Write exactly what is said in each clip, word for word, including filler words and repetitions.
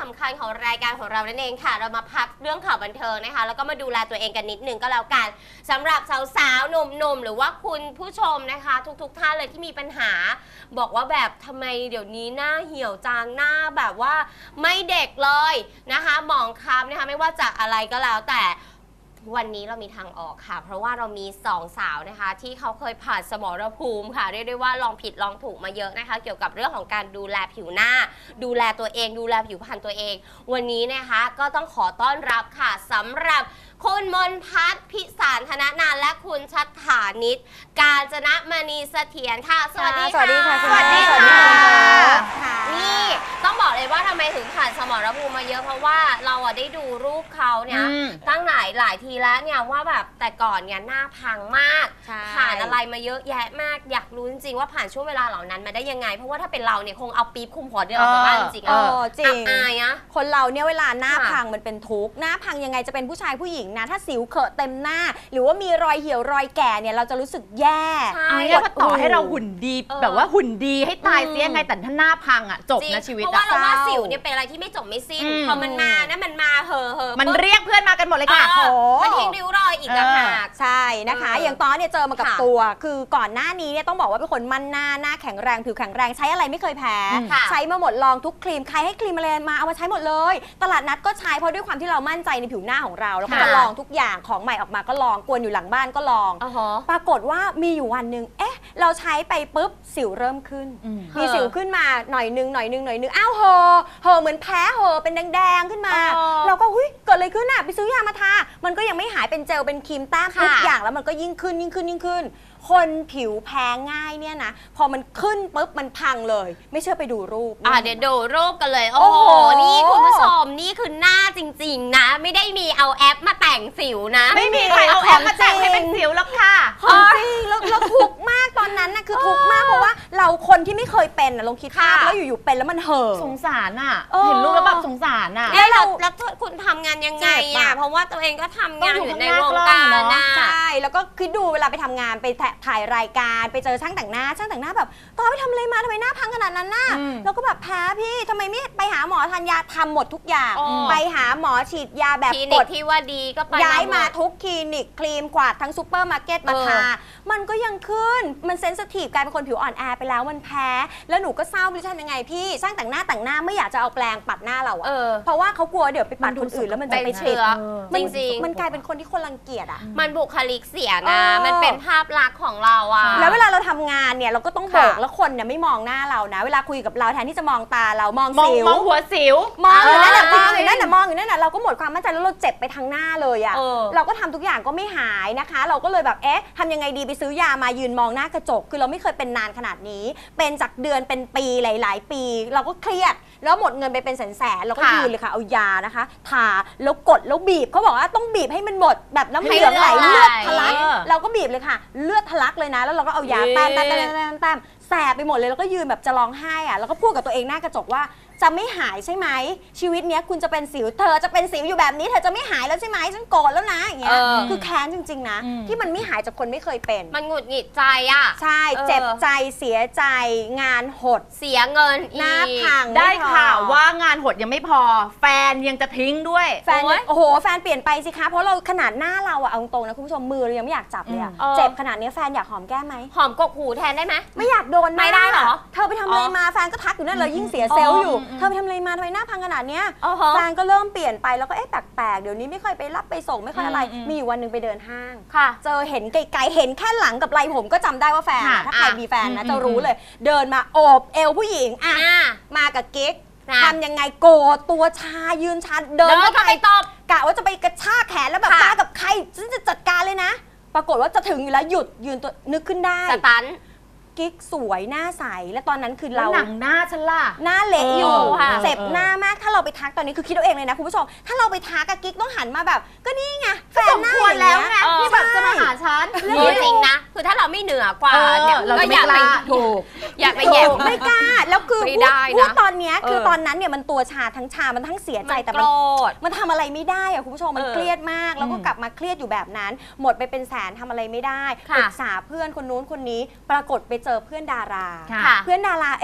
ำคัญของรายการของเรานั่นเองค่ะเรามาพักเรื่องข่าวบันเทิงนะคะแล้วก็มาดูแลตัวเองกันนิดนึงก็แล้วกันสำหรับสาวๆหนุ่มๆหรือว่าคุณผู้ชมนะคะทุกๆท่านเลยที่มีปัญหาบอกว่าแบบทำไมเดี๋ยวนี้หน้าเหี่ยวจางหน้าแบบว่าไม่เด็กเลยนะคะหมองคล้ำนะคะไม่ว่าจากอะไรก็แล้วแต่วันนี้เรามีทางออกค่ะเพราะว่าเรามีสองสาวนะคะที่เขาเคยผ่านสมรภูมิค่ะเรียกได้ว่าลองผิดลองถูกมาเยอะนะคะเกี่ยวกับเรื่องของการดูแลผิวหน้าดูแลตัวเองดูแลผิวพรรณตัวเองวันนี้นะคะก็ต้องขอต้อนรับค่ะสำหรับคุณมนภัทร พิสารธนนานและคุณชัฏฐานิช กาญจนมณีเสถียรค่ะสวัสดีค่ะสวัสดีค่ะสวัสดีค่ะนี่นี่ต้องบอกเลยว่าทำไมถึงผ่านสมรภูมิมาเยอะเพราะว่าเราอะได้ดูรูปเขาเนี่ยตั้งหลายหลายทีแล้วเนี่ยว่าแบบแต่ก่อนเนี่ยหน้าพังมากผ่านอะไรมาเยอะแยะมากอยากรู้จริงๆว่าผ่านช่วงเวลาเหล่านั้นมาได้ยังไงเพราะว่าถ้าเป็นเราเนี่ยคงเอาปี๊บคุมหัวเดินออกจากบ้านจริงๆเออจริงอายนะคนเราเนี่ยเวลาหน้าพังมันเป็นทุกข์หน้าพังยังไงจะเป็นผู้ชายผู้หญิงนะถ้าสิวเขอะเต็มหน้าหรือว่ามีรอยเหี่ยวรอยแก่เนี่ยเราจะรู้สึกแย่เอาง่ายๆว่าต่อให้เราหุ่นดีแบบว่าหุ่นดีให้ตายเสียยังไงแต่ถ้าหน้าพังอ่ะจบนะชีวิตเพราะว่าเราว่าสิวเนี่ยเป็นอะไรที่ไม่จบไม่สิ้นพอมันมานะมันมาเหอะเหอะมันเรียกเพื่อนมากันหมดเลยค่ะมันทิ้งริ้วรอยอีกต่างหากใช่นะคะอย่างตอนเนี่ยเจอมากับตัวคือก่อนหน้านี้เนี่ยต้องบอกว่าเป็นคนมั่นหน้าหน้าแข็งแรงผิวแข็งแรงใช้อะไรไม่เคยแพ้ใช้มาหมดลองทุกครีมใครให้ครีมอะไรมาเอามาใช้หมดเลยตลาดนัดก็ใช้เพราะด้วยความที่เรามั่นใจในผิวหน้าของเราแล้วก็จะลองทุกอย่างของใหม่ออกมาก็ลองกวนอยู่หลังบ้านก็ลองปรากฏว่ามีอยู่วันหนึ่งเอ๊ะเราใช้ไปปุ๊บสิวเริ่มขึ้นมีสิวขึ้นมาหน่อยนึงหน่อยนึงหน่อยนึงอ้าวเหอะเหอะเหมือนแพ้เหอะเป็นแดงๆขึ้นมาเราก็หุ้ยเกิดอะไรขึ้นอ่ะไปซื้อยามาทามันก็ยังไม่หายเป็นเจลเป็นครีมแต้มทุกอย่างแล้วมันก็ยิ่งขึ้นยิ่งขึ้นยิ่งขึ้นคนผิวแพ้ง่ายเนี่ยนะพอมันขึ้นปุ๊บมันพังเลยไม่เชื่อไปดูรูปอ่ะเดี๋ยวดูรูปกันเลยโอ้โหนี่คุณผู้ชมนี่คือหน้าจริงๆนะไม่ได้มีเอาแอปมาแต่งสิวนะไม่มีใครเอาแอปมาแต่งให้เป็นสิวหรอกค่ะจริงแล้วเราทุกข์มากตอนนั้นนะคือทุกข์มากเพราะว่าเราคนที่ไม่เคยเป็นนะลองคิดภาพแล้วอยู่ๆเป็นแล้วมันเห่อสงสารอ่ะเห็นรูปแล้วแบบสงสารอ่ะแล้วเราแล้วคุณทำงานยังไงอ่ะเพราะว่าตัวเองก็ทำงานอยู่ในวงการนะใช่แล้วก็คิดดูเวลาไปทำงานไปถ่ายรายการไปเจอช่างแต่งหน้าช่างแต่งหน้าแบบตอนไปทำอะไรมาทำไมหน้าพังขนาดนั้นน่ะแล้วก็แบบแพ้พี่ทำไมไม่ไปหาหมอทานยาทำหมดทุกอย่างไปหาหมอฉีดยาแบบกดที่ว่าดีก็ไปย้ายมาทุกคลินิกครีมกวาดทั้งซูเปอร์มาร์เก็ตมาทามันก็ยังขึ้นมันเซนซิทีฟกลายเป็นคนผิวอ่อนแอไปแล้วมันแพ้แล้วหนูก็เศร้าไม่รู้จะทำยังไงพี่ช่างแต่งหน้าแต่งหน้าไม่อยากจะเอาแปรงปัดหน้าเราอะเพราะว่าเขากลัวเดี๋ยวไปปัดคนอื่นแล้วมันจะไปเชื้อจริงๆมันกลายเป็นคนที่คนรังเกียจอะมันบุคลิกเสียนะมันเป็นภาพลักษณ์ของเราอะแล้วเวลาเราทำงานเนี่ยเราก็ต้องโบกแล้วคนเนี่ยไม่มองหน้าเรานะเวลาคุยกับเราแทนที่จะมองตาเรามองสิวมองหัวสิวมองอยู่นั่นแหละมองอยู่นั่นแหละมองอยู่นั่นแหละเราก็หมดความมั่นใจแล้วเราเจ็บไปทางหน้าเลยอะเราก็ทำทุกอย่างก็ไม่หายนะคะเราก็เลยแบบเอ๊ะทำยังไงดีไปซื้อยามายืนมองหน้ากระจกคือเราไม่เคยเป็นนานขนาดนี้เป็นจากเดือนเป็นปีหลายๆปีเราก็เครียดแล้วหมดเงินไปเป็นแสนๆเราก็ยืนเลยค่ะเอายานะคะทาแล้วกดแล้วบีบเขาบอกว่าต้องบีบให้มันหมดแบบน้ำเหลืองไหลเลือดทะลักเราก็บีบเลยค่ะเลือดทะลักเลยนะแล้วเราก็เอายาแต้มแต้มแต้มแต้มแสบไปหมดเลยแล้วก็ยืนแบบจะร้องไห้อะแล้วก็พูดกับตัวเองหน้ากระจกว่าจะไม่หายใช่ไหมชีวิตเนี้ยคุณจะเป็นสิวเธอจะเป็นสิวอยู่แบบนี้เธอจะไม่หายแล้วใช่ไหมฉันโกรธแล้วนะอย่างเงี้ยคือแค้นจริงๆนะที่มันไม่หายจากคนไม่เคยเป็นมันหงุดหงิดใจอ่ะใช่เจ็บใจเสียใจงานหดเสียเงินหน้าพังได้ข่าวว่างานหดยังไม่พอแฟนยังจะทิ้งด้วยแฟนโอ้โหแฟนเปลี่ยนไปสิคะเพราะเราขนาดหน้าเราอะเอาตรงนะคุณผู้ชมมือเรายังไม่อยากจับเลยอะเจ็บขนาดนี้แฟนอยากหอมแก้มไหมหอมกกหูแทนได้ไหมไม่อยากโดนไม่ได้หรอเธอไปทำอะไรมาแฟนก็ทักอยู่นั่นเลยยิ่งเสียเซลล์อยู่เธอไปทำอะไรมาหน้าพังขนาดเนี้ยแฟนก็เริ่มเปลี่ยนไปแล้วก็เอ๊ะแปลกๆเดี๋ยวนี้ไม่ค่อยไปรับไปส่งไม่ค่อยอะไรมีอยู่วันหนึ่งไปเดินห้างเจอเห็นไกลๆเห็นแค่หลังกับไหล่ผมก็จำได้ว่าแฟนถ้าใครมีแฟนนะจะรู้เลยเดินมาโอบเอวผู้หญิงอ่ะมากับกิ๊กทำยังไงโกรธตัวชายืนชาเดินเข้าไปตบกะว่าจะไปกระชากแขนแล้วแบบมากับใครฉันจะจัดการเลยนะปรากฏว่าจะถึงอยู่แล้วหยุดยืนตัวนึกขึ้นได้สตันกิ๊กสวยหน้าใสและตอนนั้นคือเราหนังหน้าฉันล่ะหน้าเละอยู่เจ็บหน้ามากถ้าเราไปทักตอนนี้คือคิดเอาเองเลยนะคุณผู้ชมถ้าเราไปทักกับกิ๊กต้องหันมาแบบก็นี่ไงแฟนหน้าอย่างแล้วไงที่แบบจะมาหาฉันจริงนะคือถ้าเราไม่เหนือกว่าเนี่ยเราก็อยากไปถูกอยากไปแย่ไม่กล้าแล้วคือพูดตอนนี้คือตอนนั้นเนี่ยมันตัวชาทั้งชามันทั้งเสียใจแต่มันมันทำอะไรไม่ได้อะคุณผู้ชมมันเครียดมากแล้วก็กลับมาเครียดอยู่แบบนั้นหมดไปเป็นแสนทำอะไรไม่ได้ปรึกษาเพื่อนคนนู้นคนนี้ปรากฏไปเจอเพื่อนดาราเพื่อนดาราเอ๊ะท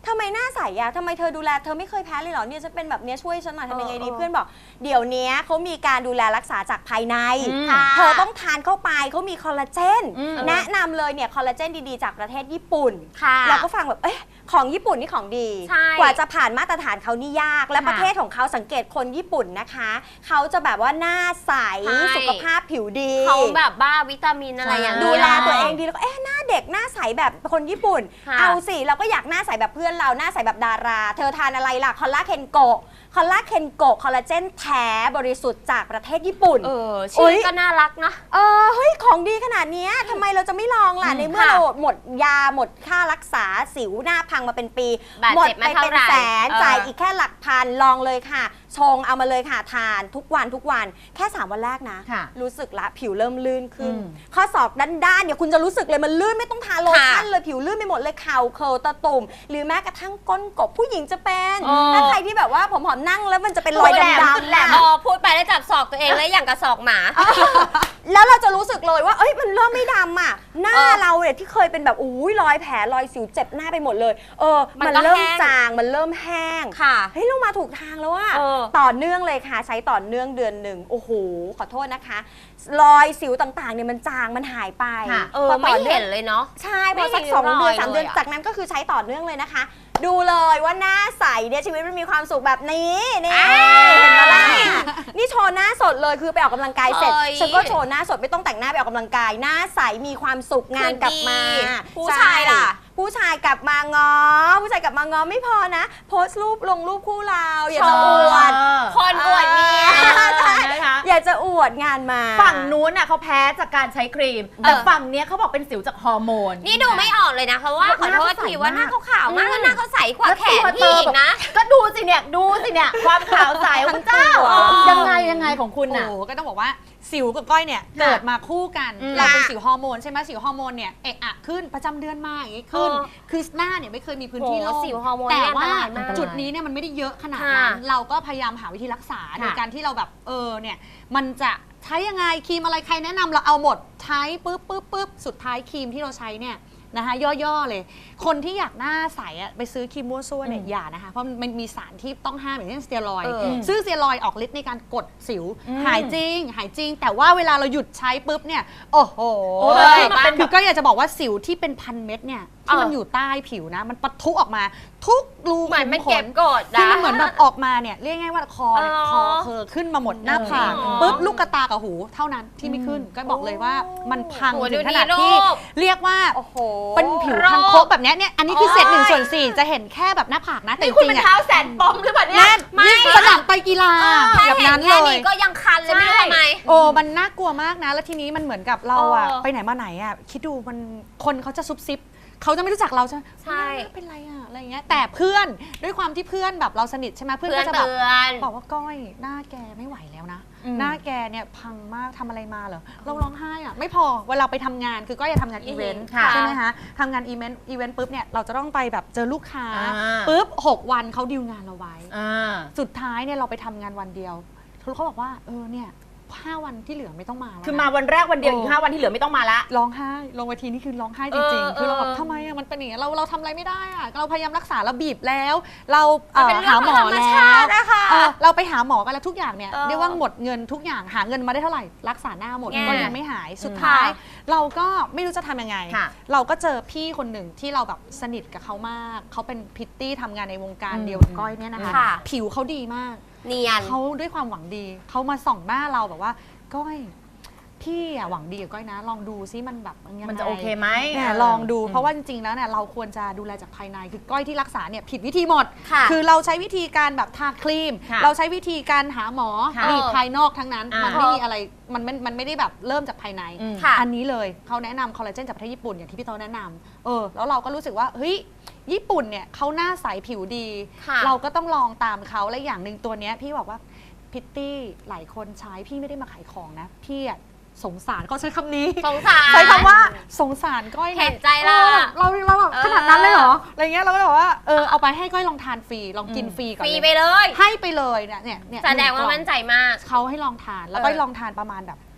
ทำไมหน้าใสอะทำไมเธอดูแลเธอไม่เคยแพ้เลยเหรอเนี่ยจะเป็นแบบเนี้ยช่วยฉันหน่อยทำยังไงดีเออเพื่อนบอกเดี๋ยวนี้เขามีการดูแลรักษาจากภายในค่ะเธอต้องทานเข้าไปเขามีคอลลาเจนอืมแนะนำเลยเนี่ยคอลลาเจนดีๆจากประเทศญี่ปุ่นค่ะเราก็ฟังแบบเอ๊ะของญี่ปุ่นนี่ของดีใช่กว่าจะผ่านมาตรฐานเขานี่ยาก และค่ะประเทศของเขาสังเกตคนญี่ปุ่นนะคะเขาจะแบบว่าหน้าใสใช่สุขภาพผิวดีเขาแบบบ้าวิตามินอะไรอย่างดูเงี้ยแลตัวเองดีแล้วก็เอ๊ะหน้าเด็กหน้าใสแบบคนญี่ปุ่นค่ะเอาสิเราก็อยากหน้าใสแบบเพื่อนเราหน้าใสแบบดารา เธอทานอะไรล่ะคอลลาเคนโกะคอลลาเคนโกะคอลลาเจนแท้บริสุทธิ์จากประเทศญี่ปุ่นเออโอ๊ชื่อย ก็น่ารักนะเออเฮ้ยของดีขนาดเนี้ยทำไมเราจะไม่ลองล่ะอืมในเมื่อค่ะเราหมดยาหมดค่ารักษาสิวหน้าพังมาเป็นปีบาดหมดเจ็บไปมาเท่าเป็นไหร่แสนเออจ่ายอีกแค่หลักพันลองเลยค่ะ ชงเอามาเลยค่ะทานทุกวันทุกวันแค่สามวันแรกนะค่ะรู้สึกละผิวเริ่มลื่นขึ้นอืมข้อศอกด้านๆเนี่ยคุณจะรู้สึกเลยมันลื่นไม่ต้องทาโลชั่นเลยผิวลื่นไปหมดเลยเข่าเคิลตะตุ่มหรือแม้กระทั่งก้นกบผู้หญิงจะเป็นเออถ้าใครที่แบบว่าผอมๆนั่งแล้วมันจะเป็นรอยดำๆแหลมอะพอพูดไปแล้วจับศอกตัวเองแล้วอย่างกับศอกหมาแล้วเราจะรู้สึกเลยว่าเอ้ยมันเริ่มไม่ดำอ่ะหน้าเออเราเนี่ยที่เคยเป็นแบบอุ้ยรอยแผลรอยสิวเจ็บหน้าไปหมดเลยเออมันมันก็เริ่มแห้งจางมันเริ่มแห้งค่ะเฮ้ยเรามาถูกทางแล้วอะเออต่อเนื่องเลยค่ะใช้ต่อเนื่องเดือนหนึ่งโอ้โหขอโทษนะคะ รอยสิวต่างๆเนี่ยมันจางมันหายไปค่ะเออพอไม่ต่อนื่เห็องนเลยเนาะใช่พไม่อสักเห็นสองเดือนรอยสามเดือนเลยอะจากนั้นก็คือใช้ต่อเนื่องเลยนะคะ ดูเลยว่าหน้าใสเนี่ยชีวิตมันมีความสุขแบบนี้นี่อ่าเห็นไหมล่ะนี่โชว์หน้าสดเลยคือไปออกกำลังกายเสร็จเอ้ยฉันก็โชว์หน้าสดไม่ต้องแต่งหน้าไปออกกำลังกายหน้าใสมีความสุขงานกลับมาคือดีผู้ใชายล่ะผู้ชายกลับมางอ ผู้ชายกลับมางอไม่พอนะ โพสต์รูปลงรูปคู่เราอยากจะอวดคนอวดเมียใช่นะคะอยากจะอวดงานมาฝั่งนู้นน่ะเขาแพ้จากการใช้ครีม แต่ฝั่งเนี้ยเขาบอกเป็นสิวจากฮอร์โมนนี่ดูไม่ออกเลยนะเพราะว่าขอโทษทีว่าหน้าเขาขาวมากแล้วหน้าเขาใสกว่าแล้วแขตันวพี่อีกนะก็ดูสิเนี่ยดูสิเนี่ยความขาวใสของคุณเจ้าอ๋อยังไงยังไงของคุณโอ้น่ะโหก็ต้องบอกว่าสิวกับก้อยเนี่ยเกิดมาคู่กันอืมเราเป็นสิวฮอร์โมนใช่ไหมสิวฮอร์โมนเนี่ยเอะอะขึ้นประจำเดือนมาอย่างงี้ขึ้นเออคือหน้าเนี่ยไม่เคยมีพื้นที่โหโล่งสิวฮอร์โมนแต่เนี่ยอันตว่ารายมากจุดนี้เนี่ยมันไม่ได้เยอะขนาดค่ะนั้นเราก็พยายามหาวิธีรักษาโดยค่ะการที่เราแบบเออเนี่ยมันจะใช้ยังไงครีมอะไรใครแนะนำเราเอาหมดใช้ปุ๊บปุ๊บปุ๊บสุดท้ายครีมที่เราใช้เนี่ยนะคะย่อๆเลย คนที่อยากหน้าใสอะไปซื้อครีมมั่วซั่วเนี่ยอืมอย่านะคะเพราะมันมีสารที่ต้องห้ามอย่างเช่นสเตียรอยด์เออซึ่งสเตียรอยด์ออกฤทธิ์ในการกดสิวอืมหายจริง หายจริง แต่ว่าเวลาเราหยุดใช้ปุ๊บเนี่ย โอ้โหโอ้ยมันเป็นคือก็อยากจะบอกว่าสิวที่เป็นพันเม็ดเนี่ยที่มันเออออยู่ใต้ผิวนะ มันปะทุออกมา ทุกรูเหมือนมันขุขเก็บกดคือนะมันเหมือนแบบออกมาเนี่ยเรียกง่ายว่าคอเนี่ยอ๋อคอเคอขึ้นมาหมดหน้าผากอ๋อปุ๊บลูกกระตากับหูเท่านั้นที่ไม่ขึ้น ก็บอกเลยว่ามันพังโอ้โหถึงดูขนาดดีที่รูปเรียกว่าโอ้โหเป็นผิวคังคกแบบเนี้ยเนี่ยอันนี้คือเศษหนึ่งส่วนสี่จะเห็นแค่แบบหน้าผากนะแต่จนี่คุณริเป็นงๆอะเท้าแสนปมหรือเปล่าเนี่ยแน่นไม่ยิ่งสนามไปกีฬาแค่แบบเห็นนั้นแค่เลนี้ยก็ยังคันเลยไม่รู้ทำไมโอ้มันน่ากลัวมากนะ แล้วทีนี้มันเหมือนกับเราอะเออไปไหนมาไหนอะคิดดูมันคนเขาจะซุบซิบเขาจะไม่รู้จักเราใช่ไหมใช่หน้าเป็นไรอะอะไรอย่างเงี้ยแต่เพื่อนด้วยความที่เพื่อนแบบเราสนิทใช่ไหมเพื่อนเพื่อนก็จะแบบเตือนบอกว่าก้อยหน้าแกไม่ไหวแล้วนะอืมหน้าแกเนี่ยพังมากทำอะไรมาเหรอเราร้องไห้อะไม่พอเวลาไปทำงานคือก้อยจะทำงานอีเวนต์ค่ะใช่ไหมคะทำงานอีเวนต์อีเวนต์ปุ๊บเนี่ยเราจะต้องไปแบบเจอลูกค้าอ่าปุ๊บหกวันเขาดีลงานเราไว้อ่าสุดท้ายเนี่ยเราไปทำงานวันเดียวเขาบอกว่าเออเนี่ยห้าวันที่เหลือไม่ต้องมาแล้วนะคือมาวันแรกวันเดียวอีกห้าวันที่เหลือไม่ต้องมาละร้องไห้ลงเวทีนี่คือร้องไห้จริงเออๆ คือเราแบบเออทำไมอะมันเป็นอย่างนี้ยเราเราทำอะไรไม่ได้อะเราพยายามรักษาเราบีบแล้ว เราเอ่มันอเป็นเรื่หาองหมอธรรมแล้ชาว ตินะคะเออเราไปหาหมอกันแล้วทุกอย่างเนี่ยเออเรียกว่าหมดเงินทุกอย่างหาเงินมาได้เท่าไหร่รักษาหน้าหมดแง่ก็ยังไม่หายสุดอืมท้ายค่ะเราก็ไม่รู้จะทำยังไงค่ะเราก็เจอพี่คนหนึ่งที่เราแบบสนิทกับเขามากเขาเป็นพิตตี้ทำงานในวงการอืมเดียวกับก้อยเนี่ยนะคะค่ะผิวเขาดีมากเนียนเขาด้วยความหวังดีเขามาส่องหน้าเราแบบว่าก้อยพี่อะหวังดีกับก้อยนะ ลองดูซิมันแบบยังไงมันจะโอเคไหมเนี่ยลองดูเพราะว่าจริงๆแล้วเนี่ยเราควรจะดูแลจากภายในคือก้อยที่รักษาเนี่ยผิดวิธีหมดค่ะคือเราใช้วิธีการแบบทาครีมค่ะเราใช้วิธีการหาหมอค่ะนี่ภายนอกทั้งนั้นอ่ามัมันไม่มีอะไรมันไม่มันไม่ได้แบบเริ่มจากภายในอืมค่ะอันนี้เลยเขาแนะนำคอลลาเจนจากประเทศญี่ปุ่นอย่างที่พี่โตแนะนำเออแล้วเราก็รู้สึกว่าเฮ้ยญี่ปุ่นเนี่ยเขาหน้าใสผิวดีค่ะเราก็ต้องลองตามเขาและอย่างหนึ่งตัวเนี้ยพี่บอกว่าพิตตี้หลายคนใช้พี่ไม่ได้มาขายของนะพี่อะสงสารเขาใช้คำนี้สงสารใช้คำว่าสงสารก้อยะเห็นใจเราออเราเราแบบเออขนาดนั้นเลยเหรออะไรเงี้ยเราก็เลยบอกว่าเออเอาไปให้ก้อยลองทานฟรีลองกินฟรีก่อนฟรีเลยไปเลยให้ไปเลยเนี่ยเนี่ยเนี่ยแสดงว่ามั่นใจมากเขาให้ลองทานแล้วเออก้อยลองทานประมาณแบบ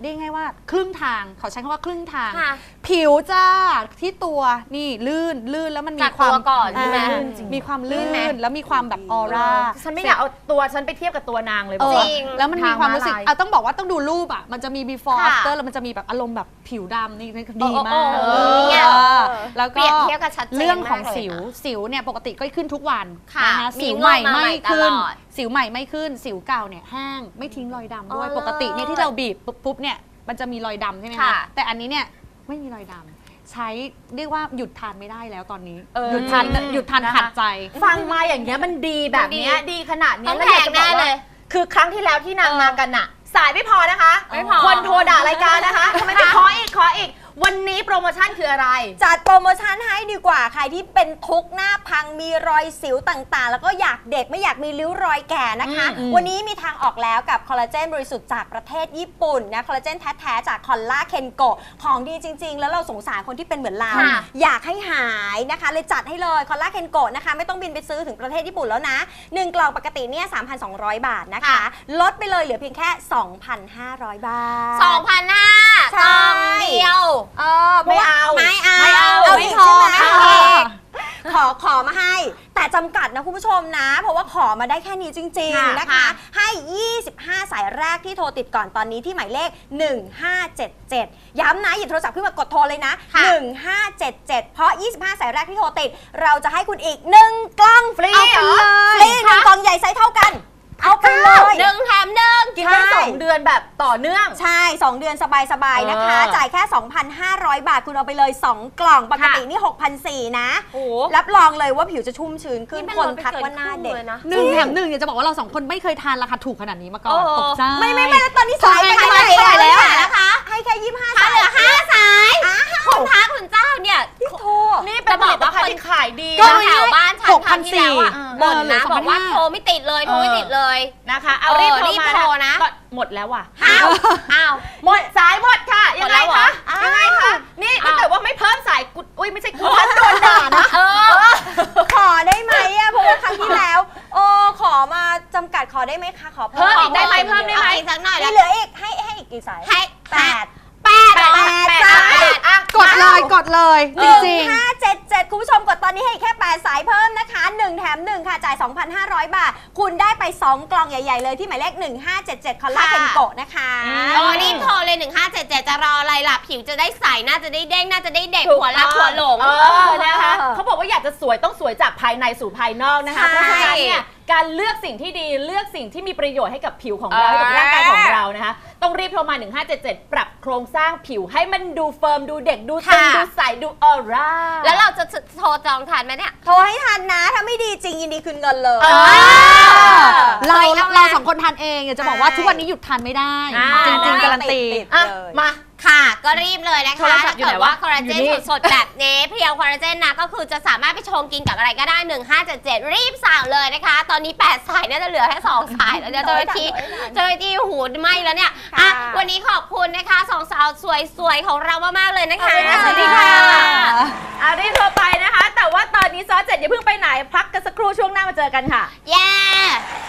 เรียกง่ายว่าครึ่งทางเขาใช้คำว่าครึ่งทางค่ะผิวจ้าที่ตัวนี่ลื่นลื่นแล้วมันมีจากความตัวก่อนใช่ไหมอ่าลื่นจริงมีความลื่ลื่นไหมนแล้วมีความแบบออร่าฉันไม่อยากเอาตัวฉันไปเทียบกับตัวนางเลยเออบอกว่าจริงแล้วมันมีความรู้สึกทางม้าลายเอาต้องบอกว่าต้องดูรูปอ่ะมันจะมี before ค่ะ after แล้วมันจะมีแบบอารมณ์แบบผิวดำนี่ดีมากโอ้โหเออเนี่ยแล้วเปก็รียบเทียบกันชัดเจนเรื่องของมากเลยสิวนะสิวเนี่ยปกติก็ขึ้นทุกวันค่ะนะคะมีสิวงอกใหม่มาใหม่ไม่ขึ้นตลอดสิวใหม่ไม่ขึ้น สิวเก่าเนี่ยแห้งไม่ทิ้งรอยดำด้วยอ๋อปกติเนี่ยที่เราบีบปุ๊บปุ๊บเนี่ยมันจะมีรอยดำใช่ไหมค่ะคะแต่อันนี้เนี่ยไม่มีรอยดำใช้เรียกว่าหยุดทานไม่ได้แล้วตอนนี้เออหยุดทานหยุดทานนะคะขัดใจฟังมาอย่างเงี้ยมันดีแบบเนี้ยดีดีขนาดเนี้ต้ยองแล้วแพอยากงจะบอกแน่เลว่าย คือครั้งที่แล้วที่นางเออมากันน่ะ สายไม่พอนะคะไม่พอคนโทรด่ารายการนะคะทำไมไม่ขออีกขออีก วันนี้โปรโมชั่นคืออะไรจัดโปรโมชั่นให้ดีกว่าใครที่เป็นทุกข์หน้าพังมีรอยสิวต่างๆ แล้วก็อยากเด็กไม่อยากมีริ้วรอยแก่นะคะอืมวันนี้มีทางออกแล้วกับคอลลาเจนบริสุทธิ์จากประเทศญี่ปุ่นนะคอลลาเจนแท้ๆจากคอลลาเคนโกะของดีจริง ๆ แล้วเราสงสารคนที่เป็นเหมือนเราค่ะอยากให้หายนะคะ เลยจัดให้เลยคอลลาเคนโกะนะคะไม่ต้องบินไปซื้อถึงประเทศญี่ปุ่นแล้วนะหนึ่งกล่องปกติเนี่ย สามพันสองร้อย บาทนะคะค่ะลดไปเลยเหลือเพียงแค่ สองพันห้าร้อย บาทสองพันห้าใช่กล่องเดียวเออเพราะว่าไม่เอาไม่เอาไม่อีกพอใช่ไหมไม่พอขอขอมาให้ แต่จำกัดนะคุณผู้ชมนะ เพราะว่าขอมาได้แค่นี้จริงค่ะๆ นะคะค่ะให้ ยี่สิบห้า สายแรกที่โทรติดก่อนตอนนี้ที่หมายเลข หนึ่งห้าเจ็ดเจ็ด ย้ำนะหยิบโทรศัพท์ขึ้นมากดโทรเลยนะค่ะหนึ่งห้าเจ็ดเจ็ด เพราะ ยี่สิบห้า สายแรกที่โทรติด เราจะให้คุณอีกหนึ่งกล่องฟรีเอาไปเลยฟรีหนึ่งกล่องใหญ่ไซส์เท่ากัน เอาไปเลยหนึ่งแถมหนึ่งกินได้ใช่สองเดือนแบบต่อเนื่องใช่ สอง เดือนสบาย ๆ นะคะเออจ่ายแค่ สองพันห้าร้อย บาท คุณเอาไปเลย สอง กล่อง ปกตินี่ หกพันสี่ร้อย นะโอ้รับรองเลยว่าผิวจะชุ่มชื้นขึ้นนี่เป็นคนลดไปทักเกินว่าหน้าเด็กครึ่งเลยนะหนึ่งแถมหนึ่งอยากจะบอกว่าเราสองคนไม่เคยทานราคาถูกขนาดนี้มาก่อนเออตกใจไม่ไม่ไม่แล้วตอนนี้สายไปให้เท่าไหร่เท่าไหร่แล้วนะคะ ให้แค่ยี่สิบห้าถ้าสายเหลือห้าสายคุณท้าคุณเจ้าเนี่ยที่โทรนี่เป็นผลิตภัณฑ์ที่ขายดีก็นะแถวบ้านฉันหกพันครั้งที่แล้วอะสี่บ่นเออเหลืนะอบอกว่าสองพันห้าโทรไม่ติดเลยโทรไม่ติดเลยนะคะ เอารีบเออโทรรีบมาโทรนะก็หมดแล้วว่ะอ้าวอ้าวหมดสายหมดค่ะ ยังไงหมดแล้วเหรคะอยังไงคะ นี่ถ้าอ้าวเกิดว่าไม่เพิ่มสายกุดอุ้ยไม่ใช่กุดทันโดนด่านะเออขอได้ไหมอะเพราะว่าครั้งที่แล้วโอ้ขอมาจำกัดขอได้ไหมคะ ขอเพิ่มอีกได้ไหมเพิ่มได้ไหมอาอีกสักหน่อยมีแล้วเหลืออีกให้ให้อีกกี่สายให้แปดแปดเหรอแปดแปดสายแปดอ่ะกดเลยกดเลยหจนึ่งริงห้าเจ็ดเจ็ดคุณผู้ชมกดตอนนี้ให้อีกแค่แปดสายเพิ่มนะคะหนึ่งแถมหนึ่งค่ะจ่าย สองพันห้าร้อย บาท คุณได้ไปสองกล่องใหญ่ๆเลยที่หมายเลขหนึ่งห้าเจ็ดเจ็ดคอลลาเคนโกะนะคะเออรีบโทรเลยหนึ่งห้าเจ็ดเจ็ดจะรออะไรล่ะ ผิวจะได้ใสน่าจะได้เด้งน่าจะได้เด็กถูกหัวรักต้องหัวหลงเออนะคะเขาบอกว่าอยากจะสวยต้องสวยจากภายในสู่ภายนอกนะคะใช่เพราะฉะนั้นเนี่ยการเลือกสิ่งที่ดีเลือกสิ่งที่มีประโยชน์ให้กับผิวของเราเออให้กับร่างกายของเรานะคะต้องรีบโทรมาหนึ่งห้าเจ็ดเจ็ดปรับโครงสร้างผิวให้มันดูเฟิร์มดูเด็กดูตึงค่ะดูใสดูออร่าแล้วเราจะโทรจองทันไหมเนี่ยโทรให้ทันนะ ถ้าไม่ดีจริงยินดีคืนเงินเลยเออๆ เราเอาไงเราสองคนทานเองอยากจะบอกว่าใช่ทุกวันนี้หยุดทานไม่ได้อ่าจริงๆการันตีติดอ่ะเลยมาค่ะ ก็รีบเลยนะโทคะรศัพถ้าท์อยู่เกิไหนดว่าวะคอลลาเจนอยู่นี่สดๆแบบนี้เพียวคอลลาเจนนะก็คือจะสามารถไปชงกินกับอะไรก็ได้หนึ่งห้าเจ็ดเจ็ดรีบสั่งเลยนะคะ ตอนนี้แปดสายน่าจะเหลือแค่สองสายแล้วเนี่ยเจ้าหน้าที่เจ้าหน้าที่หูไหมแล้วเนี่ยอ่ะค่ะวันนี้ขอบคุณนะคะสองสาวสวยๆของเรามากๆเลยนะคะขอบคุณค่ะสวัสดีค่ะอ่ะรีบโทรไปนะคะ แต่ว่าตอนนี้ซอสเจ็ดอย่าเพิ่งไปไหนพักกันสักครู่ช่วงหน้ามาเจอกันค่ะเย้